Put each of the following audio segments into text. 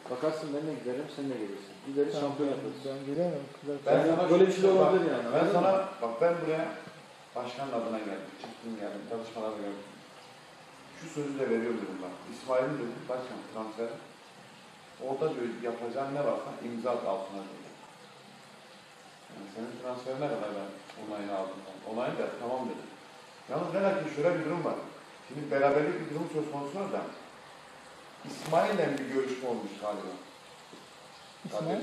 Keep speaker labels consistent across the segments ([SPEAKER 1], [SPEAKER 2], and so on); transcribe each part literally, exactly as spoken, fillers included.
[SPEAKER 1] Bakarsın ben de giderim, sen de gelirsin. Gideriz, şampiyon yaparız.
[SPEAKER 2] Ben gelemem.
[SPEAKER 1] Ben sana böyle bir şey olabilir yani.
[SPEAKER 3] Ben sana, bak ben buraya başkanın adına geldim. Çıktım geldim, çalışmaları gördüm. Şu sözü de veriyorum dedim bak. İsmail'in dedim, başkan transfer. Orada diyor yapacağın ne varsa imza at altına diyor. Yani senin transferine kadar ben onayını aldım. Onayını da tamam dedim. Yalnız ne ki şöyle bir durum var. Şimdi beraberlik bir durum söz konusu var da İsmail'le bir görüşme olmuş galiba.
[SPEAKER 2] İsmail?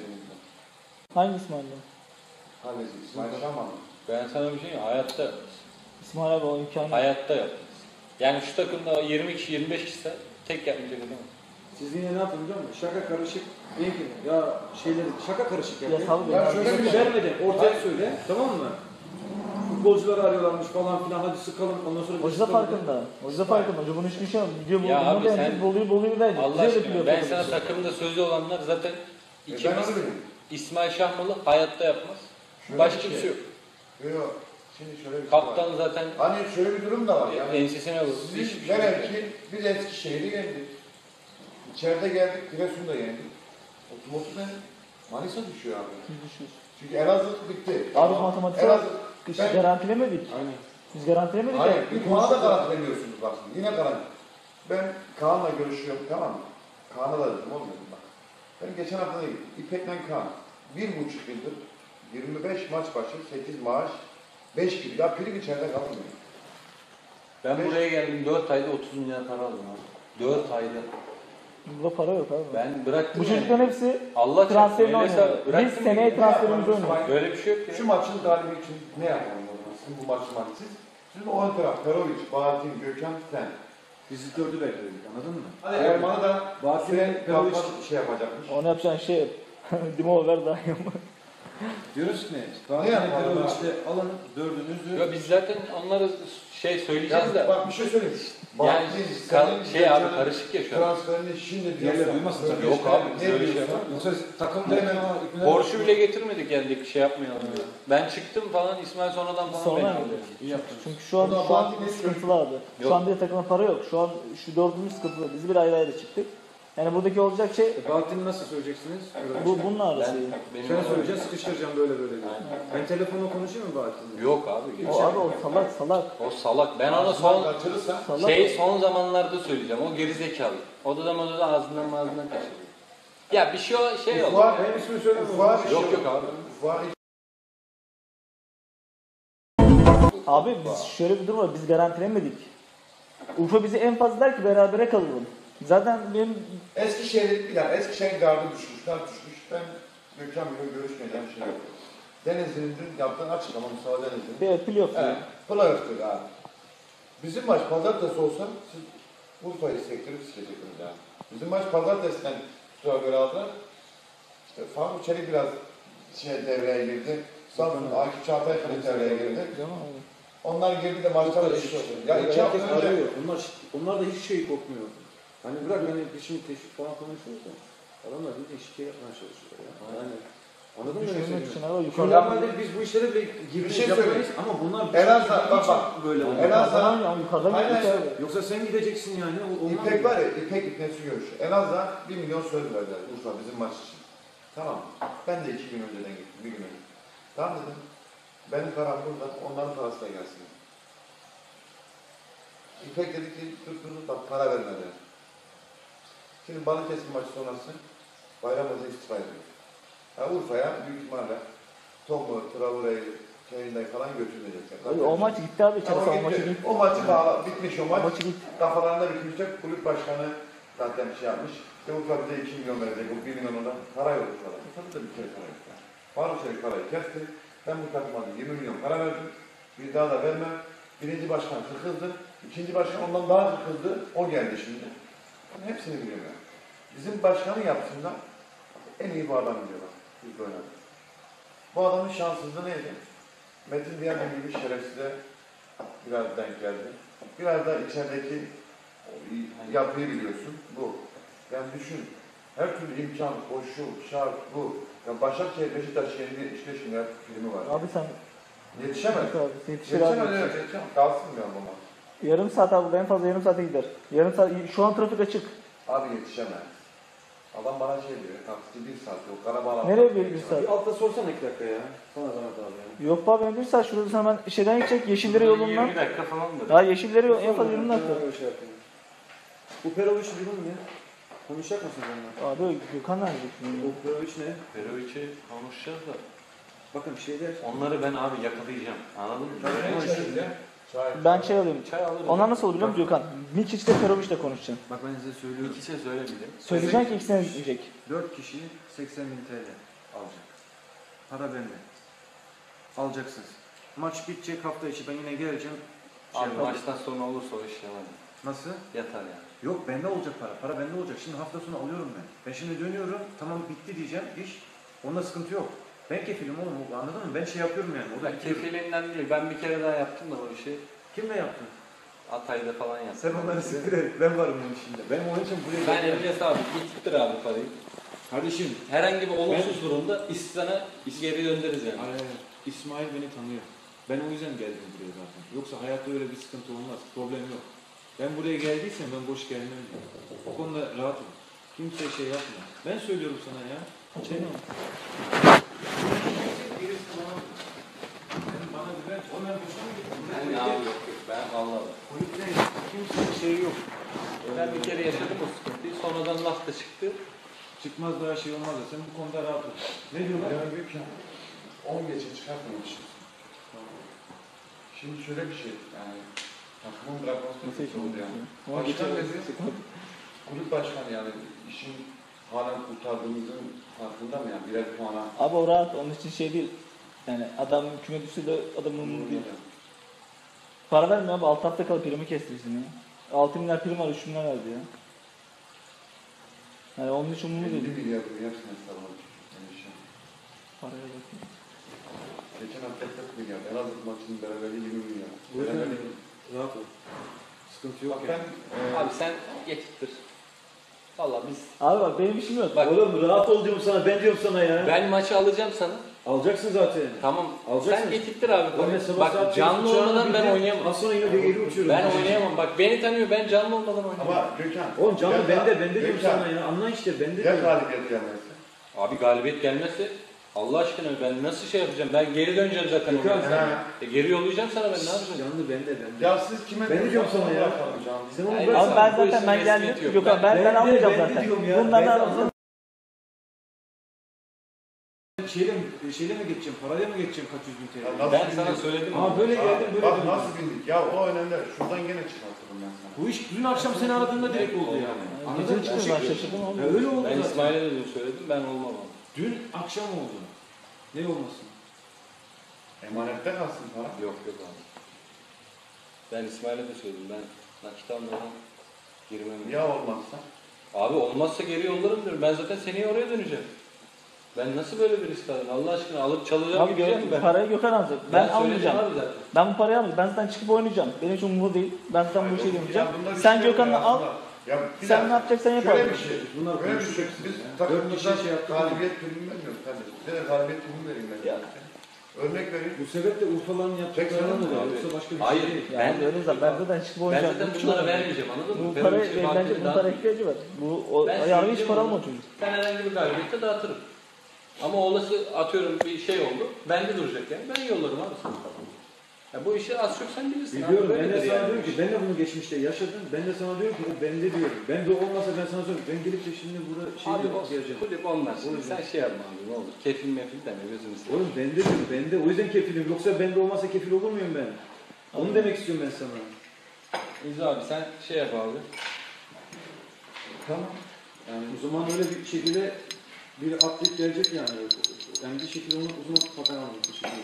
[SPEAKER 2] Hangi İsmail'le?
[SPEAKER 3] Kaleci İsmail Şaman.
[SPEAKER 4] Ben sana bir şey diyeyim, hayatta
[SPEAKER 2] İsmail abi o imkanı.
[SPEAKER 4] hayatta yaptınız. Yani şu takımda yirmi kişi, yirmi beş kişi tek yapmayacak değil mi?
[SPEAKER 1] Siz yine ne yapın biliyor musun? Şaka karışık değil ki. Ya şeyleri şaka karışık yapıyor.
[SPEAKER 2] Yasal bir
[SPEAKER 3] Ya şöyle bir şey.
[SPEAKER 1] Vermeden ortaya söyle, tamam mı? Futbolcuları arıyorlarmış falan filan, hadi sıkalım, ondan sonra...
[SPEAKER 2] Hoca da farkında. Hoca da farkında. Hoca bunu hiçbir şey yapmıyor. Diyor bu
[SPEAKER 4] Ya abi
[SPEAKER 2] bunu
[SPEAKER 4] sen-
[SPEAKER 2] da Bolu'yu Bolu'yu verecek.
[SPEAKER 4] Allah
[SPEAKER 2] Bize de
[SPEAKER 4] aşkına
[SPEAKER 2] pilot
[SPEAKER 4] ben
[SPEAKER 2] yapacak.
[SPEAKER 4] sana takımda sözü olanlar zaten
[SPEAKER 3] E ben
[SPEAKER 4] ikimiz
[SPEAKER 3] öyle dedim.
[SPEAKER 4] İsmail Şahmalı hayatta yapmaz.
[SPEAKER 3] Şöyle
[SPEAKER 4] Başka
[SPEAKER 3] bir
[SPEAKER 4] bir
[SPEAKER 3] şey.
[SPEAKER 4] şey yok.
[SPEAKER 3] Yok. Şimdi şöyle bir şey var.
[SPEAKER 4] Kaptan zaten
[SPEAKER 3] Hani şöyle bir durum da var. Yani
[SPEAKER 4] ensesine vurdu.
[SPEAKER 3] sizin
[SPEAKER 4] Hiçbir şey
[SPEAKER 3] velev
[SPEAKER 4] yok.
[SPEAKER 3] ki biz Eskişehir'i yendik. İçeride geldik, Giresun'da yendik. Otomotivden Manisa düşüyor abi.
[SPEAKER 2] Biz düşüyoruz.
[SPEAKER 3] Çünkü Elazığ bitti.
[SPEAKER 2] Abi matematik
[SPEAKER 3] Elazığ,
[SPEAKER 2] Biz
[SPEAKER 3] ben-
[SPEAKER 2] garantilemedik.
[SPEAKER 1] Aynen.
[SPEAKER 2] Biz garantilemedik
[SPEAKER 3] Hayır,
[SPEAKER 2] ya.
[SPEAKER 3] bir puana da garantilemiyorsunuz bak şimdi. Yine garanti. Ben Kaan'la görüşüyorum, tamam mı? Kaan'a da dedim, olmuyor bak. Ben geçen hafta da gittim. İpek'le Kaan. Bir buçuk yıldır yirmi beş maç başı, sekiz maaş, beş gibi. Ya prim içeride kalmıyor.
[SPEAKER 4] Ben
[SPEAKER 3] Beş-
[SPEAKER 4] buraya geldim dört ayda otuz milyar para aldım abi. dört ayda.
[SPEAKER 2] Burada para yok abi.
[SPEAKER 4] Ben bıraktım
[SPEAKER 2] Bu
[SPEAKER 4] yani.
[SPEAKER 2] çocukların hepsi
[SPEAKER 4] Allah
[SPEAKER 2] transferini
[SPEAKER 4] çarpsın, öyleyse
[SPEAKER 2] oynuyor. Biz
[SPEAKER 4] bıraktım
[SPEAKER 2] seneye
[SPEAKER 4] yani.
[SPEAKER 2] transferimizi oynuyoruz.
[SPEAKER 4] Böyle bir şey yok ya.
[SPEAKER 3] Şu maçın galibi için ne yapalım o zaman? Sizin bu maçı maç siz. Sizin o ön taraf, Perovic, Bahattin, Gökhan, sen.
[SPEAKER 1] Bizi dördü bekledik, anladın mı?
[SPEAKER 3] Hadi Erman'ı da
[SPEAKER 1] Bahattin
[SPEAKER 3] Süren
[SPEAKER 1] Perovic
[SPEAKER 3] kaptan şey yapacakmış.
[SPEAKER 2] Onu yapacağın şey Dimo ver daha iyi ama.
[SPEAKER 1] diyoruz ki ne?
[SPEAKER 3] Ne
[SPEAKER 1] Bahattin
[SPEAKER 3] yapalım
[SPEAKER 1] Perovic'le alın dördünüzü.
[SPEAKER 4] Ya biz zaten onlara şey söyleyeceğiz
[SPEAKER 3] Ya
[SPEAKER 4] de.
[SPEAKER 3] bak bir şey söyleyeyim.
[SPEAKER 4] Yani
[SPEAKER 3] Bahattin,
[SPEAKER 4] kar-
[SPEAKER 3] senin
[SPEAKER 4] şey abi
[SPEAKER 3] Gökhan'ın
[SPEAKER 4] karışık ya şu an.
[SPEAKER 3] transferini şimdi
[SPEAKER 1] Diğerleri
[SPEAKER 3] diyorsan,
[SPEAKER 1] duymasın tabii.
[SPEAKER 3] böyle
[SPEAKER 4] Yok
[SPEAKER 3] işte,
[SPEAKER 4] abi, biz
[SPEAKER 3] ne
[SPEAKER 4] öyle şey
[SPEAKER 3] diyorsan,
[SPEAKER 4] yapmadık.
[SPEAKER 1] Yoksa takımda hemen o ipine...
[SPEAKER 4] Porsche bile getirmedik geldik şey yapmayalım diye. Ben çıktım falan İsmail sonradan falan
[SPEAKER 2] Sonra
[SPEAKER 4] beni
[SPEAKER 2] mı?
[SPEAKER 4] aldı.
[SPEAKER 1] İyi yaptın.
[SPEAKER 2] Çünkü şu an,
[SPEAKER 3] O da
[SPEAKER 2] şu an
[SPEAKER 3] Bahattin eski-
[SPEAKER 2] sıkıntılı abi. Şu
[SPEAKER 4] Yok.
[SPEAKER 2] an bir takıma para yok. Şu an şu dördümüz sıkıntılı. Biz bir ayrı ayrı çıktık. Yani buradaki olacak şey
[SPEAKER 1] E, Bahattin'i nasıl söyleyeceksiniz?
[SPEAKER 2] bu bunun arası.
[SPEAKER 4] Ben, benim
[SPEAKER 1] Sen söyleyeceksin, sıkıştıracağım böyle böyle diye.
[SPEAKER 4] Aynen.
[SPEAKER 1] Ben telefonla konuşayım mı Bahattin'le?
[SPEAKER 4] Yok abi.
[SPEAKER 2] O abi o salak salak.
[SPEAKER 4] O salak. Ben ona
[SPEAKER 3] Son
[SPEAKER 4] son
[SPEAKER 3] kaçırırsa
[SPEAKER 2] Salak.
[SPEAKER 4] şey son zamanlarda söyleyeceğim. O gerizekalı. Odadan odadan ağzından ağzından kaçırıyor. Ya bir şey o şey oldu.
[SPEAKER 3] Ufak-
[SPEAKER 1] Benim ismini söyleme.
[SPEAKER 3] Ufak-
[SPEAKER 4] Yok yok abi.
[SPEAKER 3] Ufak-
[SPEAKER 2] Abi biz şöyle bir durum var. Biz garantilemedik. Urfa bizi en fazla der ki berabere kalalım. Zaten benim
[SPEAKER 3] Eskişehir'in bir dakika, Eskişehir'in gardı düşmüş, gar düşmüş. Ben Gökhan Bey'le görüşmeyeceğim şey yok. Denizli'nin dün yaptığı açıklama Mustafa Denizli'nin.
[SPEAKER 2] bir pil yok.
[SPEAKER 3] Evet, playoff'tur abi. Bizim maç pazartesi olsa siz Urfa'yı sektirip sikecektiniz yani. Bizim maç pazartesinden tutuğa göre aldılar. İşte Faruk Çelik biraz şey devreye girdi. Samsun, Akif Çağatay Kılıç devreye girdi.
[SPEAKER 2] Değil mi abi?
[SPEAKER 3] Onlar girdi de maçlar düştü. Ya iki hafta
[SPEAKER 1] Herkes
[SPEAKER 3] önce
[SPEAKER 1] arıyor. Onlar, onlar da hiç şey kokmuyor. Hani bırak hani bir şimdi teşvik falan konuşuyoruz da. Adamlar bir de şike yapmaya çalışıyor ya. Yani, anladın mı? ne
[SPEAKER 2] Düşünmek için
[SPEAKER 1] söylüyorum?
[SPEAKER 2] abi
[SPEAKER 1] Şu
[SPEAKER 2] yukarıda.
[SPEAKER 1] normalde biz bu işlere bile
[SPEAKER 3] Bir
[SPEAKER 1] girmeyiz,
[SPEAKER 3] şey
[SPEAKER 1] yapamayız
[SPEAKER 3] söyleyeyim.
[SPEAKER 1] ama bunlar
[SPEAKER 3] En azından
[SPEAKER 1] için
[SPEAKER 3] bak bak.
[SPEAKER 1] böyle oluyor.
[SPEAKER 3] En azından
[SPEAKER 2] Yukarıdan ya yukarıdan
[SPEAKER 3] Aynen
[SPEAKER 2] gittik
[SPEAKER 3] işte.
[SPEAKER 2] abi.
[SPEAKER 1] Yoksa sen gideceksin yani. o- onlar
[SPEAKER 3] İpek
[SPEAKER 1] mı?
[SPEAKER 3] var ya, İpek İpnesi görüşü. En azından bir milyon söz verdiler Urfa bizim maç için. Tamam mı? Ben de iki gün önceden gittim, bir gün önce. Tamam dedim. Benim param burada, onların parası da gelsin. İpek dedi ki, tuttunuz bak para vermediler. Şimdi Balıkesir maçı sonrası Bayram Hoca istifa ediyor. Yani Urfa'ya büyük ihtimalle Tom'u, Traore'yi, Köyünden falan götürmeyecekler.
[SPEAKER 2] Abi, o maç gitti abi.
[SPEAKER 3] Tamam,
[SPEAKER 2] İçerisi o
[SPEAKER 3] gitti.
[SPEAKER 2] maçı gitti.
[SPEAKER 3] O maçı bağla, bitmiş o
[SPEAKER 2] O
[SPEAKER 3] maç.
[SPEAKER 2] maçı gitti.
[SPEAKER 3] Kafalarında bitmişler. Kulüp başkanı zaten şey yapmış. İşte Urfa bize iki milyon verecek. Bu bir milyon ondan para yok Urfa'da. Urfa'da da bir kere para yok. Yani. Faruk Çelik parayı kesti. Ben bu takıma yirmi milyon para verdim. Bir daha da vermem. Birinci başkan sıkıldı. İkinci başkan ondan daha sıkıldı. O geldi şimdi. Ben hepsini biliyorum yani. Bizim başkanın yaptığında en iyi bu adam diyorlar. Biz böyle. Bu adamın şanssızlığı neydi? Metin Diyanet gibi şerefsize biraz denk geldi. Biraz da içerideki yapıyı biliyorsun. Bu. Yani düşün. Her türlü imkan, koşu, şart, bu. Ya Başakşehir, Beşiktaş yerinde yetmiş beş milyar filmi var.
[SPEAKER 2] Abi sen
[SPEAKER 3] Yetişemez.
[SPEAKER 2] Yok abi, yetişir
[SPEAKER 3] Yetişemez,
[SPEAKER 2] abi.
[SPEAKER 3] evet, yetişemez. Kalsın diyorum buna.
[SPEAKER 2] Yarım saat abi en fazla yarım saate gider. Yarım saat şu an trafik açık.
[SPEAKER 3] Abi yetişemez. Adam bana şey diyor, taksici bir saat yok, kara bağlantı.
[SPEAKER 2] Nereye bir, bir saat?
[SPEAKER 1] Bir altta sorsana iki dakika ya. Sana zahmet abi ya.
[SPEAKER 2] Yok be abi benim bir saat şurada sana ben şeyden gidecek Yeşillere yolundan.
[SPEAKER 4] yirmi dakika falandır.
[SPEAKER 2] Ya Yeşillere yol en fazla yirmi dakika.
[SPEAKER 1] Ben öyle şey yapayım. Bu Perovic durum ne? Konuşacak mısın onunla?
[SPEAKER 2] Abi Gökhan nerede?
[SPEAKER 1] Bu Perovic ne?
[SPEAKER 4] Perovic'i konuşacağız da.
[SPEAKER 1] Bakın bir şey der.
[SPEAKER 4] Onları ben abi yakalayacağım. Anladın mı?
[SPEAKER 3] Çay.
[SPEAKER 2] Ben şey alayım.
[SPEAKER 4] Çay alırım.
[SPEAKER 2] Onlar nasıl olur biliyor musun Gökhan? Mikic ile Perovic'le konuşacaksın.
[SPEAKER 1] Bak ben size söylüyorum.
[SPEAKER 4] İki şey söylemedim.
[SPEAKER 2] Söyleyeceksin ki ikisine gidecek.
[SPEAKER 1] Dört kişi seksen bin T L alacak. Para bende. Alacaksınız. Maç bitecek hafta içi ben yine geleceğim. Şey
[SPEAKER 4] Abi
[SPEAKER 1] yapalım.
[SPEAKER 4] maçtan sonra olursa o iş yalan.
[SPEAKER 1] Nasıl?
[SPEAKER 4] Yatar yani.
[SPEAKER 1] Yok bende olacak para. Para bende olacak. Şimdi hafta sonu alıyorum ben. Ben şimdi dönüyorum. Tamam bitti diyeceğim iş. Onda sıkıntı yok. Ben kefilim oğlum. Anladın mı? Ben şey yapıyorum yani. O da
[SPEAKER 4] Ya kefilinden değil. Ben bir kere daha yaptım da o işi.
[SPEAKER 1] Kimle yaptın?
[SPEAKER 4] Hatay'da falan yaptım.
[SPEAKER 1] Sen onları siktir et. Ben varım onun içinde. Ben onun için buraya
[SPEAKER 4] Ben
[SPEAKER 1] geldim.
[SPEAKER 4] Emre abi gittir abi parayı.
[SPEAKER 1] Kardeşim.
[SPEAKER 4] Herhangi bir olumsuz durumda İslam'a geri döndürürüz yani.
[SPEAKER 1] Hayır, hayır. İsmail beni tanıyor. Ben o yüzden geldim buraya zaten. Yoksa hayatta öyle bir sıkıntı olmaz. Problem yok. Ben buraya geldiysem ben boş gelmem diyor. O konuda rahat ol. Kimseye şey yapma. Ben söylüyorum sana ya. Şey mi? Birisi bana ben bana güven. O ben boşuna mı gittim?
[SPEAKER 4] Ben abi yok yok. Ben vallahi.
[SPEAKER 1] Kulüpte kimsenin şeyi yok.
[SPEAKER 4] Ben bir kere yaşadım o sıkıntıyı. Sonradan laf da çıktı.
[SPEAKER 1] Çıkmaz daha şey olmaz da sen bu konuda rahat ol. Ne diyorlar?
[SPEAKER 3] Ya büyük ya. on geçe çıkartmamışız. Şimdi şöyle bir şey, yani takımın bırakması
[SPEAKER 2] Nasıl
[SPEAKER 3] kötü oldu yani.
[SPEAKER 2] Ama
[SPEAKER 3] Başkan
[SPEAKER 2] geçen-
[SPEAKER 3] dedi, kulüp başkanı yani işin halen kurtardığımızın farkında mı yani birer puana?
[SPEAKER 2] Abi o rahat onun için şey değil. Yani adam küme düşse de adamın umurunda değil. Para vermiyor abi alt hafta kalıp primi kestirsin ya. altı milyar prim var üç milyar verdi ya. Yani onun için umurumda
[SPEAKER 3] elli
[SPEAKER 2] değil.
[SPEAKER 3] milyar bunu hepsine sarılır. Yani şey.
[SPEAKER 2] Paraya bak.
[SPEAKER 3] Geçen hafta kırk milyar, en az maçının beraberliği yirmi milyar.
[SPEAKER 1] O yüzden
[SPEAKER 3] Beraberliği-
[SPEAKER 1] rahat ol. Sıkıntı yok
[SPEAKER 3] Bak
[SPEAKER 1] yani.
[SPEAKER 3] ben, e,
[SPEAKER 4] Abi sen getirtir. Valla biz...
[SPEAKER 2] Abi bak benim işim yok.
[SPEAKER 4] Bak
[SPEAKER 1] Oğlum rahat ol diyorum sana, ben diyorum sana ya.
[SPEAKER 4] ben maçı alacağım sana.
[SPEAKER 1] Alacaksın zaten.
[SPEAKER 4] Tamam.
[SPEAKER 1] Alacaksın.
[SPEAKER 4] Sen getirtir abi.
[SPEAKER 1] Oğlum ben sabah
[SPEAKER 4] Bak
[SPEAKER 1] saat
[SPEAKER 4] canlı
[SPEAKER 1] uçağına
[SPEAKER 4] olmadan ben
[SPEAKER 1] bindim,
[SPEAKER 4] oynayamam.
[SPEAKER 1] Az sonra yine geri uçuyorum.
[SPEAKER 4] Ben oynayamam. Bak beni tanıyor. Ben canlı olmadan oynayamam.
[SPEAKER 3] ama Gökhan,
[SPEAKER 1] Oğlum canım
[SPEAKER 3] Gökhan,
[SPEAKER 1] bende, bende diyorum
[SPEAKER 3] Gökhan,
[SPEAKER 1] sana ya. Anla işte, bende
[SPEAKER 3] Ya
[SPEAKER 1] diyorum.
[SPEAKER 3] galibiyet gelmezse?
[SPEAKER 4] Abi galibiyet gelmezse Allah aşkına ben nasıl şey yapacağım? Ben geri döneceğim zaten.
[SPEAKER 1] Gökhan,
[SPEAKER 4] oraya.
[SPEAKER 3] sen-
[SPEAKER 4] E, geri yollayacağım sana ben ne yapacağım?
[SPEAKER 1] Canlı bende, bende.
[SPEAKER 3] Ya siz kime
[SPEAKER 1] Ben de diyorum sana ya.
[SPEAKER 3] bırakalım canım?
[SPEAKER 1] Sen onu
[SPEAKER 4] Hayır,
[SPEAKER 1] bırak.
[SPEAKER 2] Abi ben
[SPEAKER 4] Bu
[SPEAKER 2] zaten
[SPEAKER 4] işin
[SPEAKER 2] ben
[SPEAKER 4] resmiyeti
[SPEAKER 2] geldim.
[SPEAKER 4] yok.
[SPEAKER 2] Yok abi ben, ben,
[SPEAKER 1] Ben de-
[SPEAKER 2] almayacağım
[SPEAKER 1] ben de
[SPEAKER 2] zaten.
[SPEAKER 1] diyorum ya,
[SPEAKER 2] Bundan
[SPEAKER 1] ben de
[SPEAKER 2] ben
[SPEAKER 1] alacağım. Şeyle, mi- şeyle mi geçeceğim, parayla mı geçeceğim kaç yüz bin T L?
[SPEAKER 3] Ya nasıl
[SPEAKER 4] Ben
[SPEAKER 3] bildik?
[SPEAKER 4] sana söyledim.
[SPEAKER 1] Ama böyle
[SPEAKER 3] Aa,
[SPEAKER 1] geldim, böyle
[SPEAKER 3] Bak
[SPEAKER 1] döndüm.
[SPEAKER 3] nasıl bindik? Ya o önemli. Şuradan gene çıkartırım ben sana.
[SPEAKER 1] Bu iş dün akşam seni aradığımda direkt oldu yani. Anladın
[SPEAKER 2] Gece
[SPEAKER 1] mı?
[SPEAKER 2] çıktım ben şaşırdım
[SPEAKER 1] Ya
[SPEAKER 2] oldu.
[SPEAKER 1] öyle oldu
[SPEAKER 4] Ben
[SPEAKER 1] zaten.
[SPEAKER 4] İsmail'e de dün söyledim. Ben olmam abi.
[SPEAKER 1] Dün akşam oldu. Ne olmasın?
[SPEAKER 3] Emanette kalsın para.
[SPEAKER 4] Yok yok abi. Ben İsmail'e de söyledim. Ben nakit almadan girmem.
[SPEAKER 3] Ya olmazsa?
[SPEAKER 4] Abi olmazsa geri yollarım diyorum. Ben zaten seneye oraya döneceğim. Ben nasıl böyle bir risk alayım? Allah aşkına alıp çalacağım
[SPEAKER 2] Abi
[SPEAKER 4] gideceğim
[SPEAKER 2] gö-
[SPEAKER 4] ben.
[SPEAKER 2] parayı Gökhan alacak. Ben,
[SPEAKER 4] söyledim
[SPEAKER 2] almayacağım.
[SPEAKER 4] abi zaten.
[SPEAKER 2] Ben bu parayı almayacağım. Ben zaten çıkıp oynayacağım. Benim için umurumda değil. Ben zaten bu işe
[SPEAKER 3] Ya
[SPEAKER 2] girmeyeceğim.
[SPEAKER 3] bunda bir
[SPEAKER 2] Sen
[SPEAKER 3] şey yok
[SPEAKER 2] Gökhan'la
[SPEAKER 3] ya
[SPEAKER 2] al.
[SPEAKER 3] aslında. Ya bir
[SPEAKER 2] Sen
[SPEAKER 3] dakika.
[SPEAKER 2] ne yapacaksan yap
[SPEAKER 3] Şöyle
[SPEAKER 2] abi.
[SPEAKER 3] bir şey.
[SPEAKER 1] Bunlar
[SPEAKER 3] Böyle bir şey.
[SPEAKER 1] konuşacaksınız
[SPEAKER 3] Biz
[SPEAKER 1] ya. Dört
[SPEAKER 3] takımımızdan
[SPEAKER 1] kişi şey yaptık.
[SPEAKER 3] galibiyet primi vermiyoruz kardeşim. Size de galibiyet primi vereyim ben.
[SPEAKER 2] Ya.
[SPEAKER 3] Örnek vereyim.
[SPEAKER 1] Bu sebeple Urfa'ların yaptıklarına mı oluyor?
[SPEAKER 4] Abi.
[SPEAKER 1] Yoksa başka bir
[SPEAKER 4] Hayır.
[SPEAKER 1] şey değil.
[SPEAKER 2] Yani
[SPEAKER 4] Ben-
[SPEAKER 2] öyle zaten ben zaten çıkıp
[SPEAKER 4] Ben
[SPEAKER 2] oynayacağım.
[SPEAKER 4] zaten
[SPEAKER 2] Bu
[SPEAKER 4] bunlara
[SPEAKER 2] çok-
[SPEAKER 4] vermeyeceğim anladın mı?
[SPEAKER 2] Bu
[SPEAKER 4] Benim
[SPEAKER 2] para
[SPEAKER 4] için
[SPEAKER 2] bence
[SPEAKER 4] vaktimi
[SPEAKER 2] bu para
[SPEAKER 4] dağıtmayayım.
[SPEAKER 2] ihtiyacı var. Bu o
[SPEAKER 4] Ben
[SPEAKER 2] yarın hiç
[SPEAKER 4] söyleyeceğim
[SPEAKER 2] para
[SPEAKER 4] onu.
[SPEAKER 2] alma çocuk.
[SPEAKER 4] Ben herhangi bir galibiyette dağıtırım. Ama olası atıyorum bir şey oldu. Bende duracak yani. Ben yollarım abi sana. Ya bu işi az çok sen bilirsin
[SPEAKER 1] Biliyorum,
[SPEAKER 4] abi.
[SPEAKER 1] ben de
[SPEAKER 4] Böyledir
[SPEAKER 1] sana
[SPEAKER 4] yani.
[SPEAKER 1] diyorum ki, ben de bunu geçmişte yaşadım, ben de sana diyorum ki, o bende diyorum. Ben de olmasa ben sana söylüyorum, ben gelip de şimdi burada şey
[SPEAKER 4] Abi o
[SPEAKER 1] yapacağım.
[SPEAKER 4] kulüp onlar. Şimdi
[SPEAKER 1] O yüzden.
[SPEAKER 4] sen şey yapma abi ne olur. Kefil mefil deme gözünü seveyim.
[SPEAKER 1] Oğlum bende diyorum, bende. O yüzden kefilim. Yoksa bende olmasa kefil olur muyum ben? Onu demek istiyorum ben sana.
[SPEAKER 4] İzo abi sen şey yap abi.
[SPEAKER 1] Tamam. Yani o zaman öyle bir şekilde bir atlet gelecek yani. Yani bir şekilde onu uzun fakat almak bir şekilde.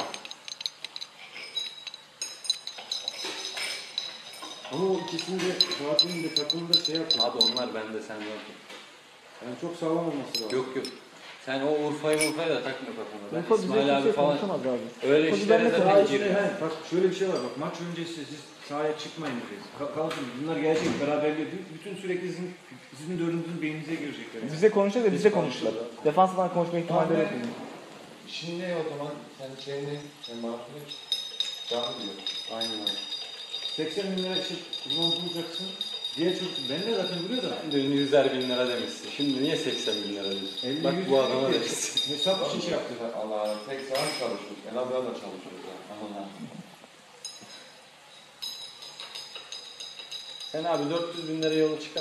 [SPEAKER 1] Ama o ikisini de Fatih'in de takımında şey yapıyor.
[SPEAKER 4] Abi onlar bende sen yok.
[SPEAKER 1] Yani çok sağlam olması lazım.
[SPEAKER 4] Yok yok. Sen o Urfa'yı Urfa'yı da takma kafana. Ben
[SPEAKER 2] Urfa bize
[SPEAKER 4] İsmail abi
[SPEAKER 2] kimse
[SPEAKER 4] falan
[SPEAKER 2] konuşamaz abi.
[SPEAKER 4] öyle
[SPEAKER 2] Urfa
[SPEAKER 4] işlere
[SPEAKER 2] bizden ne
[SPEAKER 1] Daha
[SPEAKER 4] zaten
[SPEAKER 1] içine,
[SPEAKER 4] giriyor.
[SPEAKER 1] he, bak şöyle bir şey var bak, maç öncesi siz sahaya çıkmayın diyeceğiz. Ka- Kalkın, bunlar gelecek beraberliğe, bütün sürekli sizin, sizin dördünüzün beyninize girecekler. Yani.
[SPEAKER 2] Bize konuşacak da bize konuştular. Defansından konuşma ihtimalleri yok.
[SPEAKER 3] Tamam, Şimdi ne o zaman? Sen şeyini, sen maaşını canlı diyor.
[SPEAKER 1] Aynen öyle. seksen bin lira işte uzman bulacaksın, Diğer çocuk ben de zaten biliyor da.
[SPEAKER 4] Dün yüzer bin lira demişsin. Şimdi niye seksen bin lira diyorsun?
[SPEAKER 1] elli
[SPEAKER 4] Bak
[SPEAKER 1] yüz
[SPEAKER 4] bu adama
[SPEAKER 1] değil.
[SPEAKER 4] demişsin.
[SPEAKER 1] Hesap için şey yaptı.
[SPEAKER 3] Allah Allah. Tek saat çalışıyoruz. En azından da çalışıyoruz. ya. Allah.
[SPEAKER 4] Sen abi dört yüz bin lira yolu çıkar.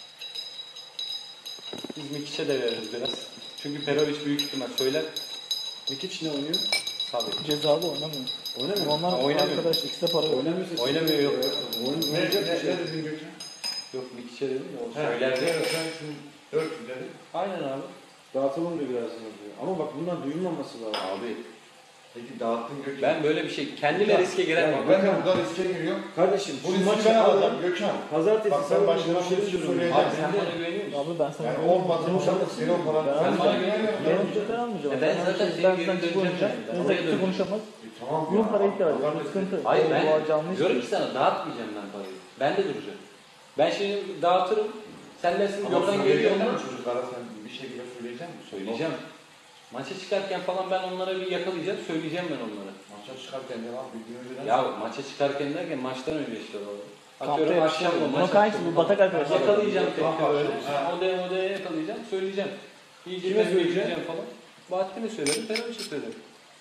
[SPEAKER 4] Biz Mikiç'e de veririz biraz. Çünkü Perovic büyük ihtimal söyler.
[SPEAKER 1] Mikiç ne oynuyor?
[SPEAKER 4] Tabii.
[SPEAKER 2] Cezalı oynamıyor.
[SPEAKER 1] Oynamıyor.
[SPEAKER 2] Onlar
[SPEAKER 4] Ha, oynamıyor.
[SPEAKER 2] arkadaş ikisi de para yok.
[SPEAKER 1] Oynamıyorsa
[SPEAKER 4] Oynamıyor, yok.
[SPEAKER 1] Oyun
[SPEAKER 3] Ne, ne,
[SPEAKER 1] oynayacak
[SPEAKER 3] ne,
[SPEAKER 1] bir şey.
[SPEAKER 3] ne dedin Gökhan?
[SPEAKER 4] Yok Mikiç'e dedim ya o
[SPEAKER 3] He,
[SPEAKER 4] söyler.
[SPEAKER 3] evet, sen şimdi dört yüz dedin.
[SPEAKER 4] Aynen abi.
[SPEAKER 1] Dağıtalım diyor biraz diyor. Ama bak bundan duyulmaması lazım.
[SPEAKER 4] Abi
[SPEAKER 3] Peki dağıttın Gökhan.
[SPEAKER 4] ben böyle bir şey kendime riske giremem.
[SPEAKER 3] Yani ben de burada riske giriyorum.
[SPEAKER 1] Kardeşim
[SPEAKER 3] Bu
[SPEAKER 1] şu
[SPEAKER 3] riski
[SPEAKER 1] maçı
[SPEAKER 3] ben
[SPEAKER 1] alalım.
[SPEAKER 3] alacağım Gökhan.
[SPEAKER 1] Pazartesi
[SPEAKER 3] Bak, ben
[SPEAKER 1] salı
[SPEAKER 3] başına
[SPEAKER 1] görüşelim
[SPEAKER 3] bir şey
[SPEAKER 1] diyorum.
[SPEAKER 3] söyleyeceğim.
[SPEAKER 4] Abi sen bana güveniyor musun?
[SPEAKER 2] Abi ben sana
[SPEAKER 3] Yani olmadığını şartı seni o falan.
[SPEAKER 2] Ben
[SPEAKER 4] Sen bana
[SPEAKER 2] almayacağım.
[SPEAKER 4] güveniyor
[SPEAKER 2] Ben
[SPEAKER 4] musun?
[SPEAKER 2] ücretten almayacağım.
[SPEAKER 4] E ben
[SPEAKER 2] Ben
[SPEAKER 4] zaten
[SPEAKER 2] şey-
[SPEAKER 4] senin
[SPEAKER 2] ben
[SPEAKER 4] gibi
[SPEAKER 2] sen
[SPEAKER 4] döneceğim
[SPEAKER 2] konuşacağım.
[SPEAKER 4] yani.
[SPEAKER 2] Sen
[SPEAKER 4] Oraya
[SPEAKER 2] kimse
[SPEAKER 4] döneceğim.
[SPEAKER 2] konuşamaz.
[SPEAKER 3] E, tamam
[SPEAKER 2] Bunun
[SPEAKER 3] ya.
[SPEAKER 2] parayı ihtiyacı var.
[SPEAKER 3] Allah
[SPEAKER 2] Sıkıntı.
[SPEAKER 4] Hayır
[SPEAKER 2] O-
[SPEAKER 4] ben
[SPEAKER 2] o canlı iş
[SPEAKER 4] diyorum
[SPEAKER 2] değil.
[SPEAKER 4] ki sana dağıtmayacağım ben parayı. Ben de duracağım. Ben şimdi dağıtırım. Sen dersin
[SPEAKER 3] Ama
[SPEAKER 4] yoldan geliyor
[SPEAKER 3] söyleyeceksin
[SPEAKER 4] mu?
[SPEAKER 3] mi çocuklara sen bir şekilde söyleyecek misin?
[SPEAKER 4] Söyleyeceğim. Maça çıkarken falan ben onlara bir yakalayacağım. Söyleyeceğim ben onlara.
[SPEAKER 3] Maça çıkarken ne var? Bir gün önceden.
[SPEAKER 4] Ya maça çıkarken derken maçtan önce işte o.
[SPEAKER 2] Kampta
[SPEAKER 4] Atıyorum akşam
[SPEAKER 2] yapışıyor.
[SPEAKER 4] mı
[SPEAKER 2] Bunun
[SPEAKER 4] maç
[SPEAKER 2] kankisi
[SPEAKER 4] akşamı
[SPEAKER 2] bu batak arkadaşlar.
[SPEAKER 4] yakalayacağım
[SPEAKER 3] Kamp
[SPEAKER 4] tekrar böyle.
[SPEAKER 3] akşamı.
[SPEAKER 4] Odaya odaya yakalayacağım. Söyleyeceğim. İyice
[SPEAKER 1] Kime
[SPEAKER 4] tembih
[SPEAKER 1] söyleyeceksin?
[SPEAKER 4] edeceğim falan. Bahattin'e söylerim. Fenerbahçe söylerim.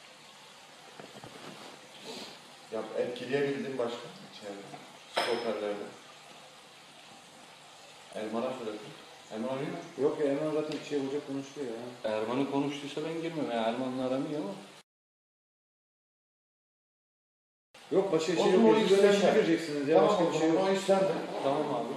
[SPEAKER 3] Ya etkileyebildin başka içeride. Stoperlerde. Elman'a söyledin. Elman oynuyor mu?
[SPEAKER 1] Yok ya Erman zaten bir şey olacak konuşuyor ya.
[SPEAKER 4] Erman'ı konuştuysa ben girmem. Yani Erman'la aramıyor ama.
[SPEAKER 1] Yok başka
[SPEAKER 3] O
[SPEAKER 1] şey
[SPEAKER 3] zaman
[SPEAKER 1] yok.
[SPEAKER 3] o
[SPEAKER 1] Siz
[SPEAKER 3] ikisi
[SPEAKER 1] öğrenci
[SPEAKER 3] de-
[SPEAKER 1] gireceksiniz ya.
[SPEAKER 3] Tamam
[SPEAKER 1] Başka
[SPEAKER 3] o
[SPEAKER 1] bir şey
[SPEAKER 3] zaman
[SPEAKER 1] yok.
[SPEAKER 3] o iş sende.
[SPEAKER 4] Tamam abi.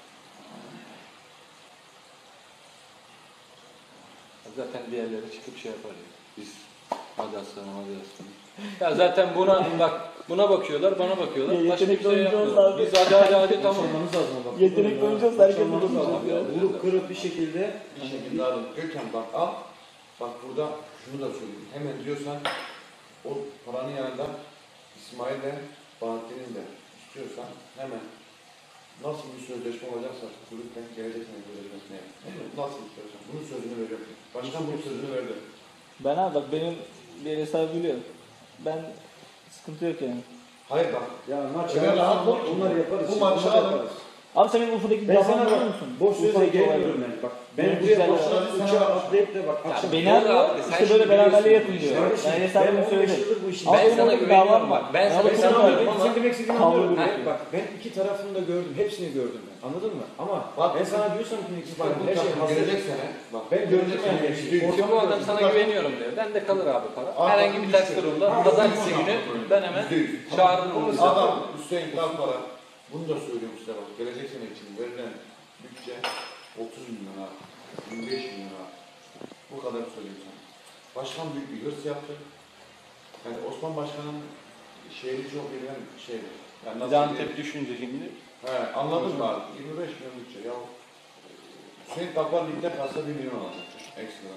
[SPEAKER 4] Zaten diğerleri çıkıp şey yapar ya. Biz hadi aslanım hadi aslanım. Ya zaten buna bak buna bakıyorlar bana bakıyorlar.
[SPEAKER 2] Ya
[SPEAKER 4] Başka bir
[SPEAKER 2] yetenekli
[SPEAKER 4] şey
[SPEAKER 2] oyuncu
[SPEAKER 4] yapmıyorlar.
[SPEAKER 2] olsa abi.
[SPEAKER 4] Biz hadi hadi hadi tamam.
[SPEAKER 1] Konuşmanız lazım bak.
[SPEAKER 2] Yetenekli oyuncu olsa herkes
[SPEAKER 1] Konuşmanız
[SPEAKER 2] bunu
[SPEAKER 1] lazım.
[SPEAKER 2] konuşuyor.
[SPEAKER 1] Vurup kırıp bir şekilde
[SPEAKER 3] Bir şekilde alın. Gökhan bak al. Bak burada şunu da söyleyeyim. Hemen diyorsan o paranın yanında İsmail'le Bahattin'in de istiyorsan hemen nasıl bir sözleşme olacaksa kulüpten gelecek sene sözleşmesine yap. Nasıl istiyorsan. Bunun sözünü veriyorum. Başkan bunun sözünü verdi.
[SPEAKER 2] Ben abi bak benim bir hesabı biliyor. Ben sıkıntı yok yani.
[SPEAKER 3] Hayır bak.
[SPEAKER 1] ya maç
[SPEAKER 3] Öyle rahat ol ki.
[SPEAKER 1] onları yaparız.
[SPEAKER 3] Bu
[SPEAKER 1] şimdi,
[SPEAKER 3] maçı
[SPEAKER 1] onları
[SPEAKER 3] alın.
[SPEAKER 1] yaparız.
[SPEAKER 2] Abi sen benim Urfa'daki
[SPEAKER 1] Ben
[SPEAKER 2] davranı
[SPEAKER 1] sana
[SPEAKER 2] biliyor
[SPEAKER 1] bak,
[SPEAKER 2] musun?
[SPEAKER 1] boş sözle
[SPEAKER 2] Urfa'daki
[SPEAKER 1] gelmiyorum
[SPEAKER 2] olayları.
[SPEAKER 1] ben. Bak
[SPEAKER 2] Benim
[SPEAKER 1] ben buraya
[SPEAKER 2] güzel
[SPEAKER 1] boşuna
[SPEAKER 3] olaylar-
[SPEAKER 1] uçağa atlayıp de bak
[SPEAKER 4] Ya
[SPEAKER 1] akşam
[SPEAKER 2] Beni
[SPEAKER 4] Doğru
[SPEAKER 2] arıyor,
[SPEAKER 4] abi, sen
[SPEAKER 2] işte
[SPEAKER 4] şimdi
[SPEAKER 2] böyle beraberliğe
[SPEAKER 4] biliyorsun
[SPEAKER 2] yapın
[SPEAKER 4] bu
[SPEAKER 2] diyor.
[SPEAKER 4] işi.
[SPEAKER 1] Kardeşim,
[SPEAKER 2] Yani
[SPEAKER 1] ben
[SPEAKER 2] hesabını
[SPEAKER 1] on beş
[SPEAKER 2] söyledim.
[SPEAKER 1] yıldır bu işi.
[SPEAKER 2] Ama
[SPEAKER 4] Ben
[SPEAKER 2] benim
[SPEAKER 4] sana
[SPEAKER 2] orada bir
[SPEAKER 4] güveniyorum
[SPEAKER 2] davam
[SPEAKER 4] bak. Ben
[SPEAKER 2] Ya
[SPEAKER 4] sana
[SPEAKER 2] bu
[SPEAKER 1] Ben
[SPEAKER 2] konu
[SPEAKER 1] sana
[SPEAKER 2] var.
[SPEAKER 1] anlıyorum.
[SPEAKER 4] ama
[SPEAKER 1] Senin demek istediğini
[SPEAKER 2] Kavga
[SPEAKER 1] anlıyorum.
[SPEAKER 2] gürültü.
[SPEAKER 1] Ben- Bak ben iki tarafını da gördüm. Hepsini gördüm ben. Anladın mı? Ama
[SPEAKER 3] Bak,
[SPEAKER 1] ben sana diyorsam ki
[SPEAKER 3] Bak
[SPEAKER 1] bak
[SPEAKER 3] bu
[SPEAKER 1] her şey
[SPEAKER 3] takım
[SPEAKER 1] hazır.
[SPEAKER 3] gelecek sene. Bak
[SPEAKER 1] Ben gördüm yani her şeyi.
[SPEAKER 4] İşte bu adam sana güveniyorum diyor. Ben de kalır abi para. Herhangi bir ters durumda pazartesi günü ben hemen çağırırım onu.
[SPEAKER 3] Adam Hüseyin Kalpara bunu da söylüyorum size bak. Gelecek sene için verilen bütçe otuz milyon abi. yirmi beş milyon abi. Bu kadar söyleyeyim sana. Başkan büyük bir hırs yaptı. Yani Osman Başkan'ın şehri çok bilinen şeydir. Yani
[SPEAKER 4] Bir de
[SPEAKER 3] nasıl
[SPEAKER 4] Antep düşünce şimdi.
[SPEAKER 3] He, anladın mı abi? yirmi beş milyon bütçe. Ya Hüseyin Kalpar ligde kalsa bir milyon alacak. Ekstra.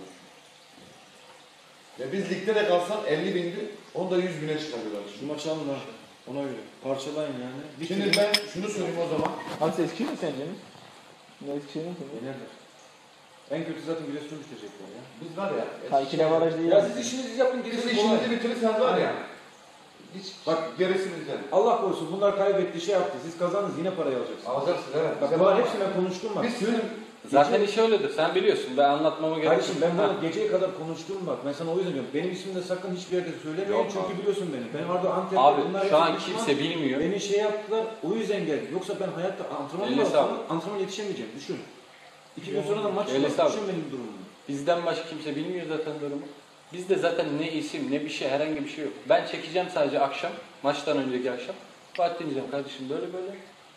[SPEAKER 3] Ya biz ligde de kalsan elli bindi, onu da yüz bine çıkarıyorlar.
[SPEAKER 1] Şu maçı alın ha. Ona göre. Parçalayın yani.
[SPEAKER 3] Şimdi ben şunu söyleyeyim o zaman.
[SPEAKER 2] Abi sen Eskişehir mi sence? Ne Eskişehir mi sence?
[SPEAKER 1] Yenerler. En kötü zaten Giresun'u bitirecekler ya.
[SPEAKER 3] Biz var ya.
[SPEAKER 2] Ha iki de baraj değil.
[SPEAKER 1] Ya siz işinizi yapın
[SPEAKER 3] Biz
[SPEAKER 1] gerisi kolay.
[SPEAKER 3] işimizi bitirirseniz var ya. Hiç bak gerisi bizden.
[SPEAKER 1] Allah korusun bunlar kaybetti şey yaptı. Siz kazandınız yine parayı alacaksınız.
[SPEAKER 3] Alacaksın evet.
[SPEAKER 1] Bak bunlar hepsini ben konuştum bak.
[SPEAKER 3] Biz tüm
[SPEAKER 4] Zaten iş öyledir. Sen biliyorsun. Ben anlatmama gerek
[SPEAKER 1] Kardeşim
[SPEAKER 4] yok.
[SPEAKER 1] ben
[SPEAKER 4] Ha.
[SPEAKER 1] bunu geceye kadar konuştum bak. Ben sana o yüzden diyorum. Benim ismimi de sakın hiçbir yerde söylemeyin
[SPEAKER 3] Yok
[SPEAKER 1] çünkü
[SPEAKER 3] abi.
[SPEAKER 1] biliyorsun beni. Ben orada Antep'te
[SPEAKER 4] Abi
[SPEAKER 1] bunlar
[SPEAKER 4] şu an
[SPEAKER 1] hepsi düşman.
[SPEAKER 4] kimse bilmiyor.
[SPEAKER 1] Beni şey yaptılar o yüzden geldim. Yoksa ben hayatta antrenman
[SPEAKER 4] Eline
[SPEAKER 1] mı
[SPEAKER 4] sağlık.
[SPEAKER 1] yapsam antrenman yetişemeyeceğim. Düşün. İki gün sonra da maç
[SPEAKER 4] Eline
[SPEAKER 1] var.
[SPEAKER 4] sağlık.
[SPEAKER 1] Düşün benim durumumu.
[SPEAKER 4] Bizden başka kimse bilmiyor zaten durumu. Bizde zaten ne isim ne bir şey herhangi bir şey yok. Ben çekeceğim sadece akşam. Maçtan önceki akşam. Bahattin diyeceğim kardeşim böyle böyle.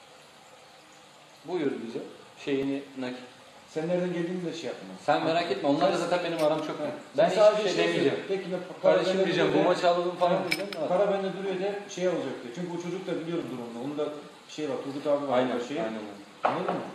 [SPEAKER 4] Buyur bize. Şeyini nakit.
[SPEAKER 1] Sen nereden geldiğini de şey yapma.
[SPEAKER 4] Sen merak etme. Onlar da zaten benim aram çok iyi. Ben
[SPEAKER 1] Sen sadece
[SPEAKER 4] hiçbir şey demeyeceğim.
[SPEAKER 1] söyle. Peki ben para
[SPEAKER 4] Kardeşim
[SPEAKER 1] bende
[SPEAKER 4] diyeceğim bu
[SPEAKER 1] duruyor de-
[SPEAKER 4] maçı alalım falan
[SPEAKER 1] Ha,
[SPEAKER 4] diyeceğim.
[SPEAKER 1] Para bende duruyor de şey olacak diye. Çünkü o çocuk da biliyorum durumunu. Onun da şey var. Turgut abi var.
[SPEAKER 4] Aynen.
[SPEAKER 1] Şey.
[SPEAKER 4] Aynen. öyle.
[SPEAKER 1] Anladın mı?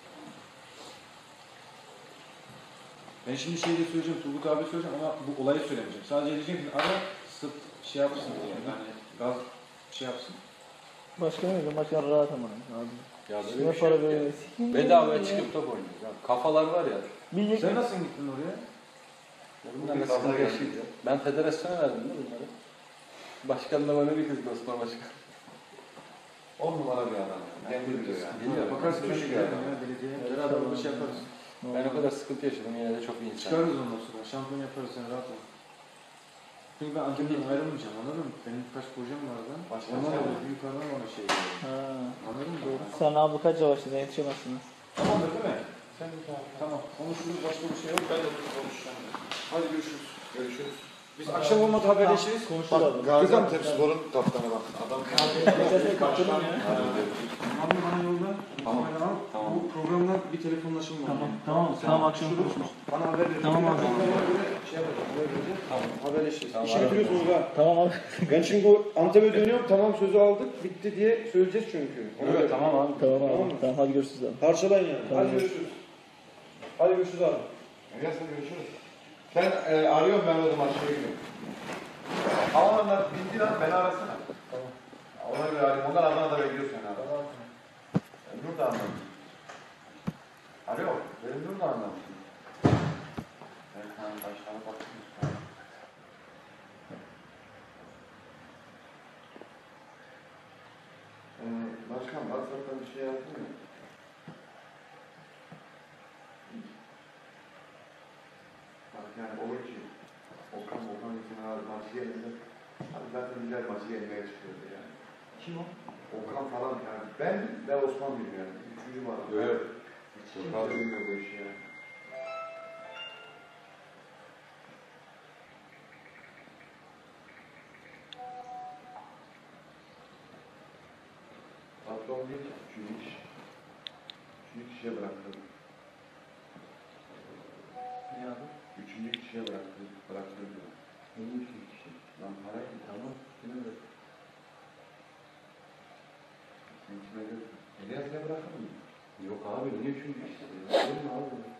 [SPEAKER 1] Ben şimdi şey de söyleyeceğim, Turgut abi söyleyeceğim ama bu olayı söylemeyeceğim. Sadece diyeceğim ki ara sırt şey yapsın diye. Yani gaz şey yapsın.
[SPEAKER 2] Başka ne diyeyim? Başka rahat ama. Abi.
[SPEAKER 4] Ya
[SPEAKER 2] Ne
[SPEAKER 4] böyle bir şey
[SPEAKER 2] para
[SPEAKER 4] yok ya.
[SPEAKER 2] böyle.
[SPEAKER 4] Bedavaya çıkıp top oynuyoruz. Ya. Kafalar var ya.
[SPEAKER 2] Bir
[SPEAKER 1] Sen nasıl gittin oraya?
[SPEAKER 4] Bunlar nasıl sıkıntı yaşayacak? Ben federasyona verdim de bunları. Başkan da bana bir kızdı Osman Başkan.
[SPEAKER 3] On numara bir adam. Kendi biliyor yani.
[SPEAKER 4] Biliyor.
[SPEAKER 1] Bakarsın
[SPEAKER 3] Küçük
[SPEAKER 1] ben
[SPEAKER 3] bir
[SPEAKER 1] giderim
[SPEAKER 3] adam.
[SPEAKER 1] ya belediyeye.
[SPEAKER 4] Evet,
[SPEAKER 1] Beraber
[SPEAKER 4] tamam.
[SPEAKER 1] bir şey yaparız.
[SPEAKER 4] Ben o kadar sıkıntı yaşadım yine de çok iyi insan.
[SPEAKER 1] Çıkarırız ondan sonra. Şampiyon yaparız sen rahat ol. Çünkü ben Antep'ten ayrılmayacağım anladın mı? Benim birkaç projem var da.
[SPEAKER 3] Başka
[SPEAKER 1] Ondan
[SPEAKER 3] şey
[SPEAKER 1] dolayı yukarıdan bana şey geliyor.
[SPEAKER 2] Ha.
[SPEAKER 1] Anladın mı?
[SPEAKER 2] Doğru. Sen abi kaç yavaşladın yetişemezsiniz.
[SPEAKER 1] Tamamdır değil mi? Sen de tamam. Tamam. Konuşuruz başka bir şey yok. Ben de konuşacağım. Hadi görüşürüz.
[SPEAKER 3] Görüşürüz.
[SPEAKER 1] Biz akşam olmadı haberleşiriz.
[SPEAKER 2] Konuşuruz abi.
[SPEAKER 3] Bak Gaziantep Spor'un kaptanı bak. Adam
[SPEAKER 2] Geçen kaptanım ya.
[SPEAKER 1] Abi bana yolda.
[SPEAKER 3] Tamam.
[SPEAKER 1] Tamam.
[SPEAKER 3] Tamam.
[SPEAKER 1] Bu programdan bir telefonlaşım var.
[SPEAKER 2] Tamam, tamam, tamam akşam konuşuruz.
[SPEAKER 1] Bana haber verin.
[SPEAKER 2] Tamam abi.
[SPEAKER 1] Ben ona göre şey yapacağım. Haber vereceğim. Tamam. Haberleşiriz.
[SPEAKER 4] Tamam
[SPEAKER 1] İşi
[SPEAKER 4] abi.
[SPEAKER 1] bitiriyorsunuz ha.
[SPEAKER 2] Tamam abi.
[SPEAKER 1] Ben şimdi o Antep'e dönüyorum. Tamam sözü aldık. Bitti diye söyleyeceğiz çünkü. Ona göre.
[SPEAKER 4] Evet tamam abi.
[SPEAKER 2] Tamam
[SPEAKER 1] Tamam
[SPEAKER 2] abi.
[SPEAKER 1] mı?
[SPEAKER 2] Tamam hadi görüşürüz abi.
[SPEAKER 1] Parçalayın yani.
[SPEAKER 2] Tamam.
[SPEAKER 1] Hadi görüşürüz. Hadi görüşürüz abi.
[SPEAKER 3] Gelsin görüşürüz. Sen e, arıyorum ben o zaman şeye gidiyorum. Havalanlar bindi lan beni arasana.
[SPEAKER 1] Tamam.
[SPEAKER 3] Ona göre arayayım. Onlar Adana'da bekliyor seni abi.
[SPEAKER 1] Tamam.
[SPEAKER 3] Nur da anlamış. Alo, benim Nur da anlamış. Evet, hani başkanı bakıyoruz. Ee, başkan, WhatsApp'tan bir şey yazdın mı? Bak yani olur ki Okan Okan için abi maçı gelince abi zaten güzel maçı gelmeye çıkıyordu yani.
[SPEAKER 1] Kim o?
[SPEAKER 3] Okan falan yani ben ve Osman bilmiyorum yani. Üçüncü var.
[SPEAKER 4] Evet.
[SPEAKER 3] Hiç kimse bilmiyor bu işi yani. Patron değil ki. Üçüncü kişi. Üçüncü kişiye bıraktı.
[SPEAKER 4] Ne abi?
[SPEAKER 3] Üçüncü kişiye bıraktı. Bıraktı diyor.
[SPEAKER 4] Benim üçüncü kişi.
[SPEAKER 3] Lan parayı
[SPEAKER 4] Tamam. Kime bırak?
[SPEAKER 3] sen kime diyorsun? Elias'e bırakır mı?
[SPEAKER 4] Yok abi niye üçüncü kişi? Olur mu abi?